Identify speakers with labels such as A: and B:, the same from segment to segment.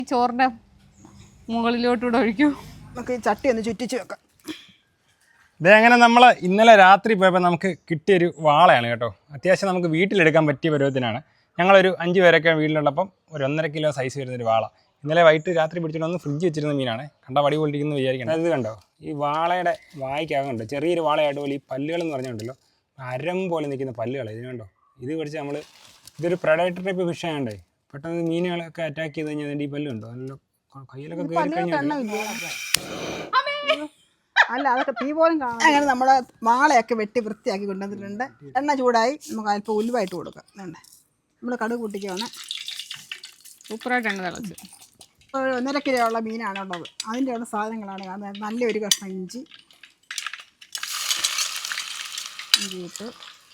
A: ചോറിന്റെ മുകളിലോട്ടൂടെ ഒഴിക്കൂ.
B: നമുക്ക് ഈ ചട്ടി ഒന്ന് ചുറ്റിച്ച് വെക്കാം.
C: ഇതേ അങ്ങനെ നമ്മൾ ഇന്നലെ രാത്രി പോയപ്പോൾ നമുക്ക് കിട്ടിയൊരു വാളയാണ് കേട്ടോ. അത്യാവശ്യം നമുക്ക് വീട്ടിലെടുക്കാൻ പറ്റിയ പരുവത്തിനാണ്. ഞങ്ങളൊരു 5 പേരൊക്കെ വീട്ടിലുള്ളപ്പം ഒരു 1.5 കിലോ സൈസ് വരുന്നൊരു വാള. ഇന്നലെ വൈകിട്ട് രാത്രി പിടിച്ചിട്ട് ഒന്ന് ഫ്രിഡ്ജ് വെച്ചിരുന്ന മീനാണ്. കണ്ട വടി കൊണ്ടിരിക്കുന്നു വിചാരിക്കണം. അത് കണ്ടോ, ഈ വാളയുടെ വായിക്കാകുന്നുണ്ട് ചെറിയൊരു വാളയായിട്ട് പോലെ ഈ പല്ലുകളെന്ന് പറഞ്ഞുകൊണ്ടല്ലോ അരം പോലെ നിൽക്കുന്ന പല്ലുകൾ. ഇത് കണ്ടോ, ഇത് പിടിച്ച് നമ്മൾ ഇതൊരു പ്രൊഡക്ടർ ടൈപ്പ് ഫിഷ് ആയതുകൊണ്ടേ പെട്ടെന്ന് മീനുകളൊക്കെ അറ്റാക്ക് ചെയ്ത് കഴിഞ്ഞാൽ അതിൻ്റെ ഈ പല്ലുണ്ടോ നല്ല കയ്യിലൊക്കെ കയറി കഴിഞ്ഞാൽ
B: അല്ല അതൊക്കെ തീ പോലും കാണാം. അങ്ങനെ നമ്മുടെ വാളയൊക്കെ വെട്ടി വൃത്തിയാക്കി കൊണ്ടുവന്നിട്ടുണ്ട്. എണ്ണ ചൂടായി നമുക്ക് അല്പം ഉലുവായിട്ട് കൊടുക്കാം. വേണ്ടേ, നമ്മൾ കടുക് പൊട്ടിക്കുകയാണ്.
A: സൂപ്പറായിട്ട് എണ്ണ തിളച്ച്
B: 1.5 കിലോ ഉള്ള മീനാണ് ഉള്ളത്. അതിൻ്റെ ഉള്ള സാധനങ്ങളാണ് കാണുന്നത്. നല്ലൊരു കഷ്ണം ഇഞ്ചി ഇട്ട്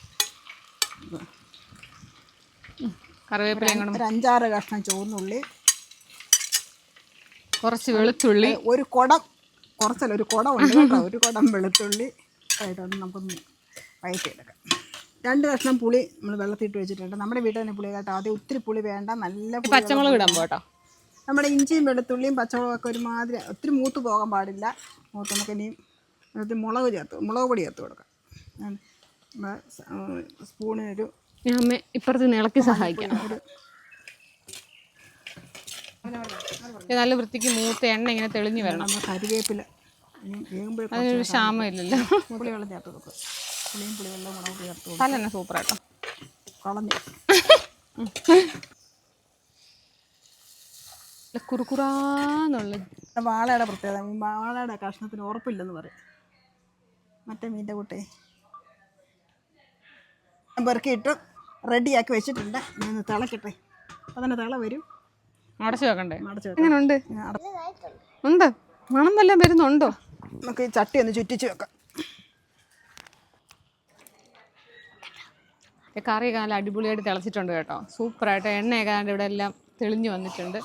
A: കറിവേപ്പില,
B: ഒരു 5-6 കഷ്ണം ചുവന്നുള്ളി,
A: കുറച്ച് വെളുത്തുള്ളി,
B: ഒരു കുടം കുറച്ചല്ല ഒരു കുടം ഉണ്ട് കേട്ടോ, ഒരു കുടം വെളുത്തുള്ളി ആയിട്ടൊന്ന് നമുക്കൊന്ന് വഴറ്റിയെടുക്കാം. 2 കഷ്ണം പുളി നമ്മൾ വെള്ളത്തിട്ട് വെച്ചിട്ടുണ്ട്. നമ്മുടെ വീട്ടിൽ തന്നെ പുളി കേട്ടോ. ആദ്യം ഒത്തിരി പുളി വേണ്ട, നല്ല
A: പച്ചമുളക് ഇടാൻ പോട്ടോ.
B: നമ്മുടെ ഇഞ്ചിയും വെളുത്തുള്ളിയും പച്ചമുളകൊക്കെ ഒരുമാതിരി ഒത്തിരി മൂത്ത് പോകാൻ പാടില്ല. മൂത്ത് നമുക്ക് ഇനിയും മുളക് പൊടി ചേർത്ത് കൊടുക്കാം. സ്പൂണിനൊരു
A: അമ്മ ഇപ്പുറത്ത് ഇളക്കി സഹായിക്കാം. നല്ല വൃത്തിക്ക് മൂത്ത എണ്ണ ഇങ്ങനെ തെളിഞ്ഞു വരണം.
B: കറിവേപ്പില
A: അതിനൊരു ക്ഷാമം ഇല്ലല്ലോ.
B: പുളിവെള്ളം ചേർത്ത് കൊടുക്കും. പുളിവെള്ളം മുളക് ചേർത്ത് കൊടുക്കും.
A: നല്ല സൂപ്പറായിട്ടോ
B: കളഞ്ഞു
A: കുറുക്കുറാന്നുള്ള
B: വാളയുടെ പ്രത്യേകത. വാളയുടെ കഷ്ണത്തിന് ഉറപ്പില്ലെന്ന് പറയും. മറ്റേ മീൻ്റെ കൂട്ടേ പെറുക്കിയിട്ട് റെഡിയാക്കി വെച്ചിട്ടുണ്ട്. ഇന്ന് തിളക്കട്ടെ. അപ്പോൾ തന്നെ തിള വരും.
A: അടച്ചു വെക്കണ്ടേ? എങ്ങനെയുണ്ട്? ഉണ്ട്, മണം വല്ലതും വരുന്നുണ്ടോ?
B: നമുക്ക് ഈ ചട്ടി ഒന്ന് ചുറ്റിച്ച് വെക്കാം.
A: കറി നല്ല അടിപൊളിയായിട്ട് തിളച്ചിട്ടുണ്ട് കേട്ടോ. സൂപ്പറായിട്ട് എണ്ണയൊക്കെ ഇവിടെ എല്ലാം തെളിഞ്ഞു വന്നിട്ടുണ്ട്.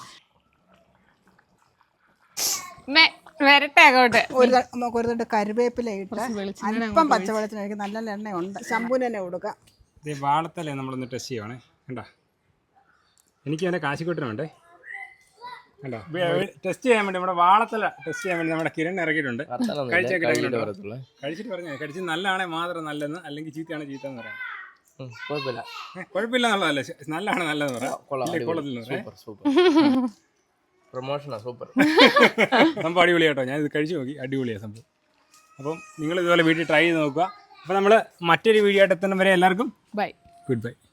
A: വരട്ടെ അങ്ങോട്ട്.
B: നമുക്ക് ഒരു തട്ട് കറിവേപ്പില ഇട്ട് അല്പം പച്ചവെള്ളത്തിനായിരിക്കും. നല്ല എണ്ണയുണ്ട്. ശമ്പൂന് തന്നെ കൊടുക്കാം.
C: ഇത് വാളത്തല്ലേ നമ്മളൊന്ന് ടെസ്റ്റ് ചെയ്യുവാണേ. കണ്ടോ, എനിക്ക് അതിൻ്റെ കാശിക്കൊട്ടിനുണ്ടേ. കണ്ടോ, ടെസ്റ്റ് ചെയ്യാൻ വേണ്ടി നമ്മുടെ വാളത്തല ടെസ്റ്റ് ചെയ്യാൻ വേണ്ടി നമ്മുടെ കിരൺ ഇറക്കിയിട്ടുണ്ട്. കഴിച്ചിട്ട് പറഞ്ഞേ, കഴിച്ച് നല്ലതാണെ മാത്രം നല്ലതെന്ന്, അല്ലെങ്കിൽ ചീത്തയാണ് ചീത്ത എന്ന് പറയാം. കുഴപ്പമില്ല എന്നുള്ളതല്ലേ, നല്ലതാണ് നല്ലതെന്ന് പറയാം. സംഭവം അടിപൊളി കേട്ടോ. ഞാൻ ഇത് കഴിച്ചു നോക്കി, അടിപൊളിയാണ് സംഭവം. അപ്പം നിങ്ങൾ ഇതുപോലെ വീട്ടിൽ ട്രൈ ചെയ്ത് നോക്കുക. അപ്പോൾ നമ്മൾ മറ്റൊരു വീഡിയോ ആയിട്ട് എത്തുന്ന വരെ എല്ലാവർക്കും
A: ബൈ,
C: ഗുഡ് ബൈ.